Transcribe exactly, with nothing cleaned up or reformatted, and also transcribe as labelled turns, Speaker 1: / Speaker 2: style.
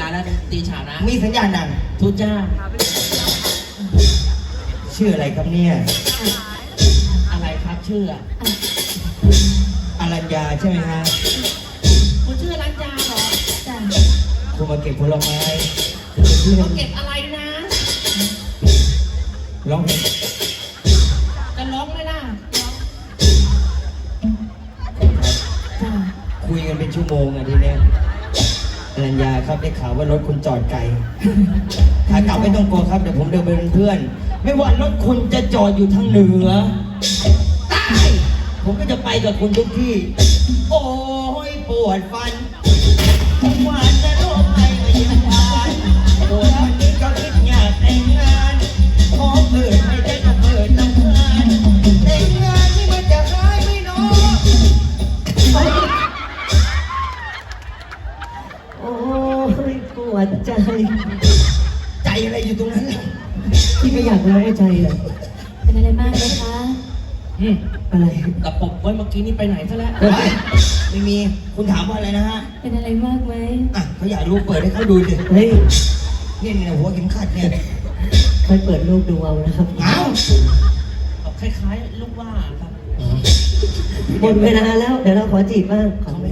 Speaker 1: แล้วตีฉาบนะ
Speaker 2: มีสัญญาณดัง
Speaker 1: ทุจ้า
Speaker 2: ชื่ออะไรครับเนี่ย
Speaker 1: อะไรครับชื่อ
Speaker 2: อรัญญาใช่ไหมฮะ
Speaker 1: คุณชื่ออรัญญาเหรอ
Speaker 3: จ้ะ
Speaker 2: คุณมาเก็บผลไม้
Speaker 1: มาเก็บอะไรนะ
Speaker 2: ร้องเพลง
Speaker 1: จะร้องไหมล่ะ
Speaker 2: คุยกันเป็นชั่วโมงอะทีเนี้ยอรัญญาครับได้ข่าวว่ารถคุณจอดไกลขากลับไม่ต้องกลัวครับเดี๋ยวผมเดินไปเป็นเพื่อนไม่ว่ารถคุณจะจอดอยู่ทางเหนือใต้ผมก็จะไปกับคุณทุกที่โอ้ยปวดฟันผมว่าจะโรคภัยมาเยี่ยมทานปวดวันนี้ก็คิดอยากแต่งงานขอเปิดไม่ได้ก็เปิดทำงานแต่งงานนี่มันจะหายไม่น้อย
Speaker 3: โอ้ยปวดใจ
Speaker 2: ใจอะไรอยู่ตรงนั้นล่ะ
Speaker 3: พี่ไม่อยากร้องใจเลยเป็นอะไรมากไหมคะ
Speaker 1: อืม
Speaker 3: อะไร
Speaker 1: กระปุกไว้เมื่อกี้นี่ไปไหนซะแล้ว
Speaker 2: ไม่มีคุณถามว่าอะไรนะฮะ
Speaker 3: เป็นอะไรมากไหม
Speaker 2: อ่ะเขาอยากรู้เปิดให้เขาดูสิ
Speaker 3: เฮ้ย
Speaker 2: นี่เนี่ยหัวเข็มขัดเนี่ย
Speaker 3: ค่อยเปิดรูปดูเอานะครับ
Speaker 2: เอ้า
Speaker 1: คล้ายๆลูกว่าครับ
Speaker 3: หมดเวลาแล้วเดี๋ยวเราขอจีบบ้าง
Speaker 2: เขาไม่